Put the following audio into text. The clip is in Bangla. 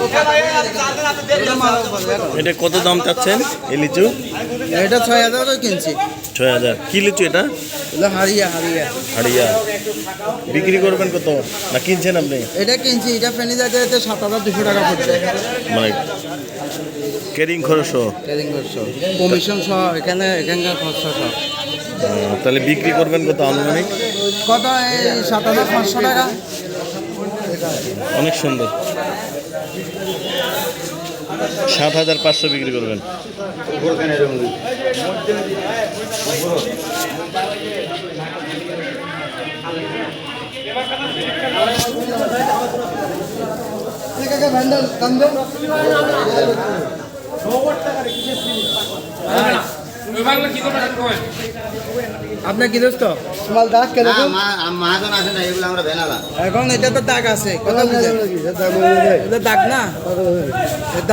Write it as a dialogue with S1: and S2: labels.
S1: এটা কত দাম চাচ্ছেন এই লিচু?
S2: এটা 6,000 কিনছি।
S1: 6,000। কি লিচু এটা?
S2: হারিয়া।
S1: বিক্রি করবেন কত না কিনছেন আপনি?
S2: এটা কিনছি, এটা ফেনি যাতে 7,200 টাকা পড়ছে।
S1: মানে ক্যারিং খরচ
S2: কমিশন সহ এখানকার খরচা সহ।
S1: তাহলে বিক্রি করবেন কত আনুমানিক?
S2: কত? এই 7,500 টাকা।
S1: অনেক সুন্দর। 7,500 বিক্রি করবেন।
S2: আপনার কি দোস্ত মাল দাগ কেন?
S3: মহাজন আছে না, এগুলো আমরা ভেনালা।
S2: এখন এটা তো দাগ আছে, কথা বুঝে দাগ না।